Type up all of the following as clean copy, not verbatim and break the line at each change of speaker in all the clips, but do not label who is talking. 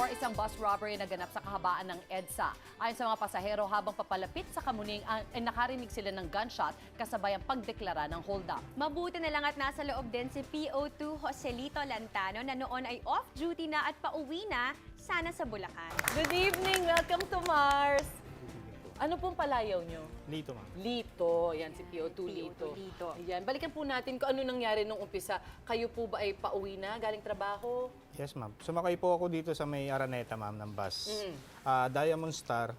Singapore, isang bus robbery na ganap sa kahabaan ng EDSA. Ayon sa mga pasahero, habang papalapit sa Kamuning, nakarinig sila ng gunshot kasabay ang pagdeklara ng hold-up.
Mabuti na lang at nasa loob din si PO2 Joselito Lantano na noon ay off-duty na at pauwi na, sana sa Bulacan.
Good evening! Welcome to Mars! Ano pong palayaw nyo?
Lito, ma'am.
Lito. Yan, si PO2 Lito.
Lito.
Ayan. Balikan po natin kung ano nangyari nung umpisa. Kayo po ba ay pauwi na, galing trabaho?
Yes, ma'am. Sumakay po ako dito sa may Araneta, ma'am, ng bus. Diamond Star.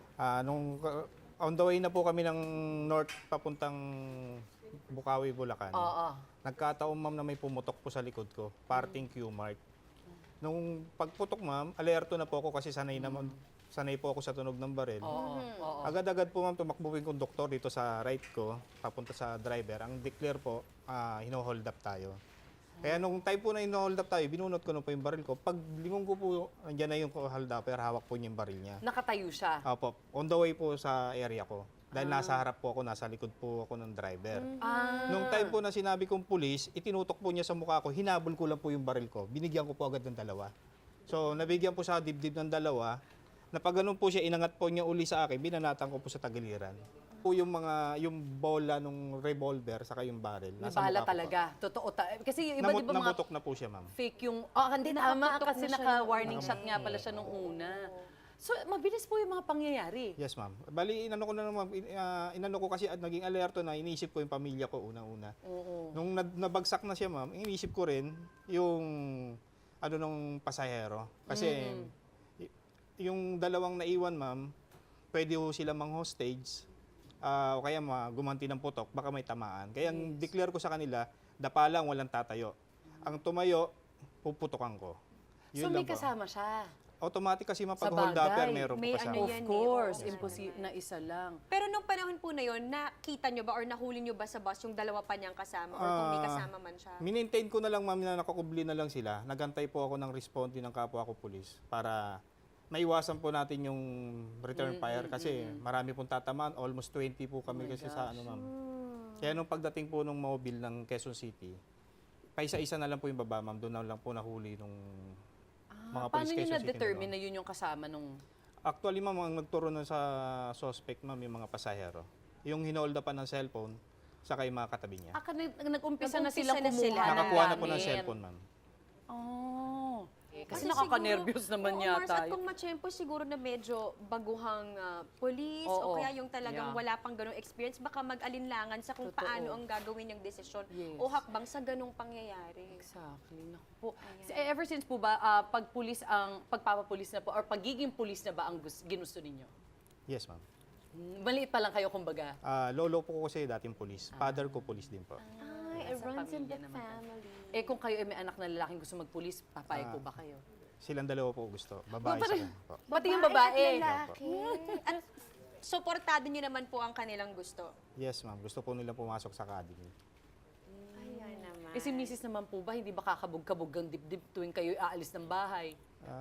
On the way na po kami ng north papuntang Bukawi, Bulacan.
Oo.
Nagkataon, ma'am, na may pumutok po sa likod ko. Parting Q-Mart. Nung pagputok, ma'am, alerto na po ako kasi sanay po ako sa tunog ng baril.
Oo.
Agad-agad po, ma'am, tumakbo yung konduktor dito sa right ko, papunta sa driver. Ang declare po, hino-hold up tayo. Kaya nung time po na hino-hold up tayo, binunot ko na po yung baril ko. Pag lingon ko po, andyan na yung hold upper, hawak po niya yung baril niya.
Nakatayo siya.
Opo, on the way po sa area ko. Dahil nasa harap po ako, nasa likod po ako ng driver. Nung time po na sinabi kong pulis, itinutok po niya sa mukha ko, hinabol ko lang po yung baril ko. Binigyan ko po agad ng dalawa. So, nabigyan po sa dibdib ng dalawa. Na pag ganun po siya, inangat po niya uli sa akin, binanatan ko po sa tagiliran. Po yung bola nung revolver, saka yung baril.
May
nasa
bala
mukha ko
talaga. Totoo. Kasi yung iba, di ba mga
Namutok na po siya, ma'am.
fake yung... hindi tama
Nakaputok
kasi
na siya
naka-warning shot nga pala siya nung una. So, mabilis po yung mga pangyayari.
Yes, ma'am. Bali, inano ko na naman, inano ko kasi at naging alerto na, inisip ko yung pamilya ko unang-una.
Oo.
Nung nabagsak na siya, ma'am, inisip ko rin yung nung pasahero. Kasi yung dalawang naiwan, ma'am, pwede ho sila mang-hostage o kaya gumanti ng putok, baka may tamaan. Kaya ang declare ko sa kanila, dapa lang, walang tatayo. Ang tumayo, puputokan ko.
So,
Yun
may
lang po.
kasama siya.
Automatic kasi
Sa
mapag-hold upper,
bagay,
meron po
may
kasama.
ano
Of
yan
course.
oo.
Imposible na isa lang.
Pero nung panahon po na yon, nakita nyo ba or nahuli nyo ba sa bus yung dalawa pa niyang kasama or kung may kasama man siya?
Minmaintain ko na lang, ma'am, na nakakubli na lang sila. Nagantay po ako ng responde ng kapwa ko pulis para maiwasan po natin yung return fire kasi marami pong tatamaan. Almost 20 po kami kasi sa ma'am. Kaya nung pagdating po nung mobile ng Quezon City, paisa-isa na lang po yung baba, ma'am. Doon na lang po nahuli nung mga
Paano
police
nyo
Quezon City.
na-determine na yun yung kasama nung...
Actually, ma'am, ang nagturo na sa suspect, ma'am, yung mga pasahero. Yung hinold pa ng cellphone, saka yung mga katabi niya.
Nag-umpisa na
Nag-umpisa
silang
na
kumuha
sila.
ng
Nakakuha na po ng
gamit.
cellphone, ma'am.
Oh. Kasi
Kasi
nakaka-nervous
siguro-
naman
oo,
yata.
Mars, at kung matsyempo, siguro na medyo baguhang police
Oo.
o kaya yung talagang
Yeah.
wala pang ganong experience, baka mag-alinlangan sa kung
Totoo.
paano ang gagawin yung desisyon
Yes.
o hakbang sa ganong pangyayari.
Exactly. Naku po. Ever since po ba, pagpapapulis na po, or pagiging pulis na ba ang ginusto ninyo?
Yes, ma'am.
Maliit pa lang kayo, kumbaga.
Lolo po kasi dating pulis. Father ko pulis din po.
Ay, it
Sa
runs in the
pamilya naman.
family.
Kung kayo ay may anak na lalaking gusto magpulis, papayag po ba kayo?
Silang dalawa po gusto. Babae sa kanya po.
Pati yung babae.
At lalaki. At supportado niyo naman po ang kanilang gusto.
Yes, ma'am. Gusto po nila pumasok sa academy.
Ayan naman.
Si Mrs. naman po ba, hindi ba kakabog-kabog ang dibdib tuwing kayo aalis ng bahay?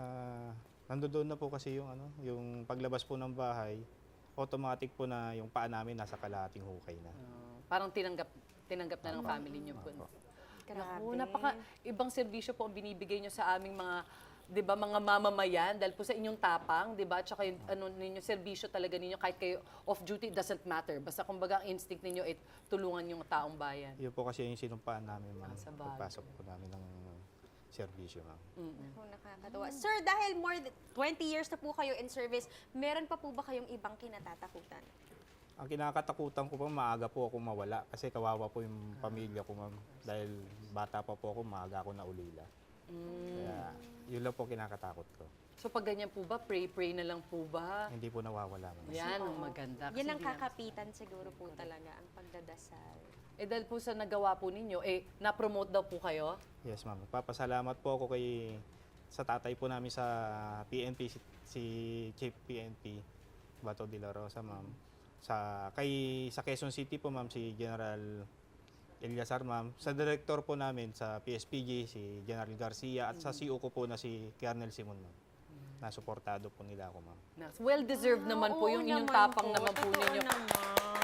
Nandoon na po kasi yung paglabas po ng bahay, automatic po na yung paa namin nasa kalahating hukay na.
Parang tinanggap na ng family niyo po.
Grabe.
Naku, ibang serbisyo po ang binibigay niyo sa aming mga, 'di ba, mga mamamayan dahil po sa inyong tapang, 'di ba? Tsaka yung ninyo serbisyo talaga ninyo kahit kayo off duty, doesn't matter. Basta kumbaga ang instinct ninyo ay tulungan yung taong bayan.
Yun po kasi yung sinumpaan namin, ma'am.
Sa bagay.
Pagpasok po namin ng serbisyo, ma'am.
Ako, nakakatawa. Sir, dahil more than 20 years na po kayo in service, meron pa po ba kayong ibang kinatatakutan?
Ang kinakatakutan ko po, maaga po ako mawala kasi kawawa po yung pamilya ko, ma'am. Dahil bata pa po ako, maaga ako naulila. Kaya yun lang po kinakatakot ko.
So pag ganyan po ba, pray na lang po ba?
Hindi po nawawala, ma'am.
Yan ang maganda. Kasi
Yan ang
hindi naman-
kakapitan siguro po talaga, ang pagdadasal.
dahil po sa nagawa po ninyo, na-promote daw po kayo?
Yes, ma'am. Papasalamat po ako sa tatay po namin sa PNP, si Chief PNP, Bato de la Rosa, ma'am. Sa Quezon City po, ma'am, si General Eliasar, ma'am. Sa director po namin sa PSPG, si General Garcia, at sa CO ko po na si Colonel Simon, ma'am. Nasuportado po nila ako, ma'am.
Well-deserved naman po
Oo
yung inyong
naman
tapang
po,
naman po
totoo
ninyo.
naman.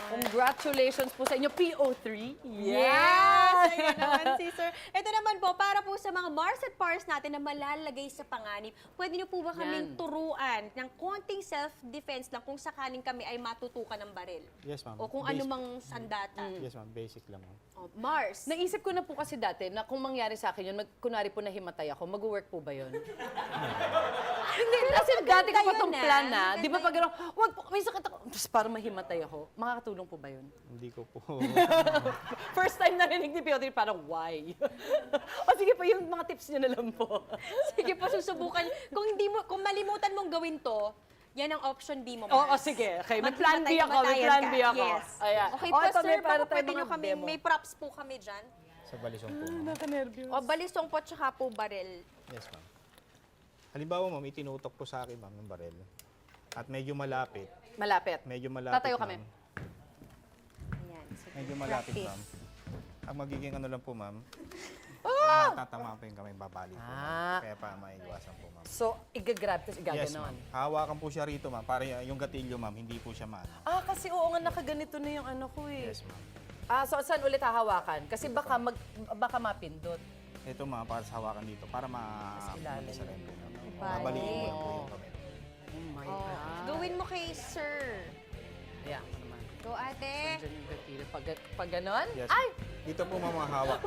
Congratulations po sa inyo, PO3.
Yes! Ayun naman si Sir. Ito naman po, para po sa mga Mars at Pars natin na malalagay sa panganib, pwede niyo po ba kaming
Yan.
turuan ng konting self-defense lang kung sakaling kami ay matutukan ng baril?
Yes, ma'am.
O kung anumang sandata.
Yes, ma'am. Basic lang, ma'am.
Oh, Mars.
Naisip ko na po kasi dati na kung mangyari sa akin yun, kunwari po nahimatay ako, mag-work po ba yun? Hindi, kasi dati ko pa
yun,
itong
ah.
plan na, di ba
Maganda
pag gano'n, wag po, may sakit ako, tapos para mahimatay ako, makakatulong po ba yun?
Hindi ko po.
First time narinig ni PO3, parang why? O sige po, yung mga tips nyo na lang po.
Sige po, susubukan. Kung malimutan mong gawin to, yan ang option B mo,
Oo,
Mars.
sige. Okay, may
Maghimatay,
plan B ako, may
himatayan
plan
ka.
B ako.
Yes.
Ayan.
Okay
O,
po,
ito,
sir,
may para
baka
tayong
pwede nyo
mga
kami,
demo.
may props po kami dyan.
Sa balisong po, ma'am.
Naka-nervous.
O, balisong po, tsaka po baril.
Yes, ma'am. Halimbawa, ma'am, itinutok po sa akin, ma'am, yung baril. At medyo malapit.
Malapit.
Medyo malapit,
Tatayo kami.
ma'am.
Ayan, sige.
Medyo malapit,
Practice.
ma'am. Ang magiging ano lang po, ma'am, matatama po yung kamay, babali po,
Ah.
ma'am. Kaya pa maiiwasan po, ma'am.
So, igagrab, tapos
Yes,
igaganon.
ma'am. Hawakan po siya rito, ma'am, para yung gatilyo, ma'am, hindi po siya maano.
Ah, kasi oo nga, nakaganito na yung ano ko eh.
Yes, ma'am.
Ah, so saan ulit hahawakan? Kasi baka mapindot.
Ito, ma'am, para sa hawakan dito, para
ilalim.
sa rin po, ma'am.
Bali.
Babaliin mo lang po yung kamay.
Oh my
Oh,
God.
gawin mo kay Sir.
Ayan, ako naman.
Go, ate.
Diyan yung gatilyo. Pag ganon?
Yes,
Ay!
ma'am. Dito po, ma'am, hawak.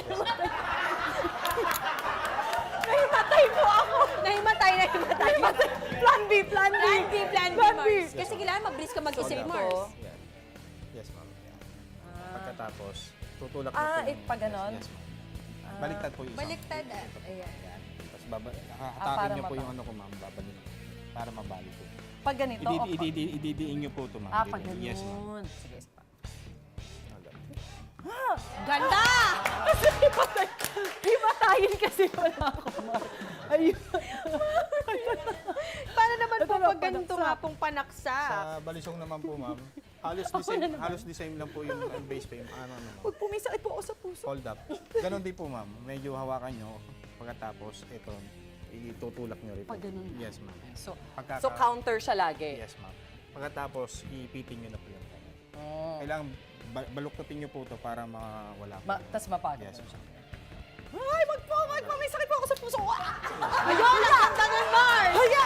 Nahimatay po ako!
Nahimatay.
Plan B, plan B!
Plan B, Mars. Kasi kailangan mabilis ka mag-isip,
Hold up.
Mars.
Yan. Yes, ma'am. Yan. Pagkatapos, tutulak
Ah,
niyo po yung...
pag ganon?
Yes, ma'am. Baliktad po yung isang.
Baliktad.
Ayan.
Yan. Tapos hahatakin
para
niyo po
mapa-
yung ano ko, ma'am. Babalik. Para mabalik po.
Pag ganito, o pag...
Ididiin niyo po ito, ma'am.
Ah,
Dito.
pag ganon.
Yes, ma'am.
Sige, isa pa.
Ganda!
Kasi himatayin kasi wala ako. Ayun.
Paano naman po
Ito na,
pag ganito
panaksa.
nga pong panaksa?
Sa balisong naman po, ma'am. Halos the same lang po yung base pa yung ano, ma'am.
Huwag pumisakit po ako sa puso.
Hold up. Ganon din po, ma'am. Medyo hawakan nyo. Pagkatapos, ito, itutulak nyo rin.
Pag ganun.
Yes, ma'am.
So,
Pagkaka-
so counter siya lagi.
Yes, ma'am. Pagkatapos, ipitin nyo na po yung kamay.
Oh.
Kailangan baluktutin nyo po ito para mawala po.
Tapos mapagod.
Yes, ma'am.
Ay, wag po, may sakit po ako sa puso.
Ayun! Nakanta ng Mars!
Haya!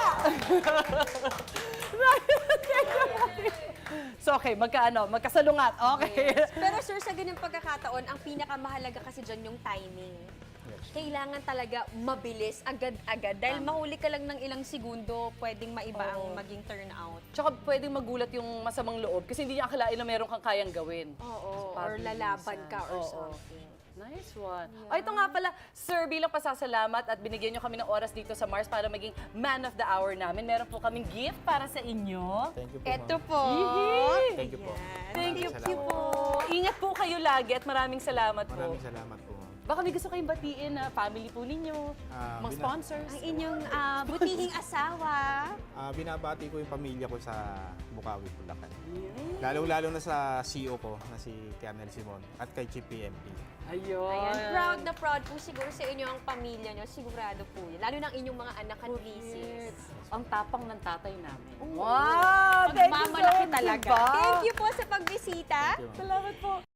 So, okay, magkasalungat. Okay.
Pero sir, sa ganung pagkakataon, ang pinakamahalaga kasi dyan yung timing.
Yes.
Kailangan talaga mabilis, agad-agad. Dahil mahuli ka lang ng ilang segundo, pwedeng maiba ang maging turnout.
Tsaka pwedeng magulat yung masamang loob kasi hindi niya akalain na meron kang kayang gawin.
Oo, or
Pabilisan.
lalaban ka or
Oo.
something.
Nice one. O ito nga pala, sir, bilang pasasalamat at binigyan nyo kami ng oras dito sa Mars para maging man of the hour namin, meron po kaming gift para sa inyo.
Thank you po,
Eto
ma'am.
po.
Thank you po.
Thank you
Maraming
po. Ingat po kayo lagi at maraming salamat po.
Maraming salamat po, ma'am.
Baka may gusto kayong batiin na family po ninyo, mga sponsors.
Ang inyong butihing asawa.
Binabati ko yung pamilya ko sa Bukawi, Bulacan. Lalo-lalo na sa CEO ko, na si Colonel Simon, at kay Chief PMP.
Ayun.
Ayan, proud po siguro sa inyo ang pamilya nyo. Sigurado po yun. Lalo ng inyong mga anak at nieces.
Ang tapang ng tatay namin. Wow! Thank you so
Magmamalaki
much,
talaga.
diba?
Thank you po sa pagbisita.
Thank you, ma'am.
Salamat po.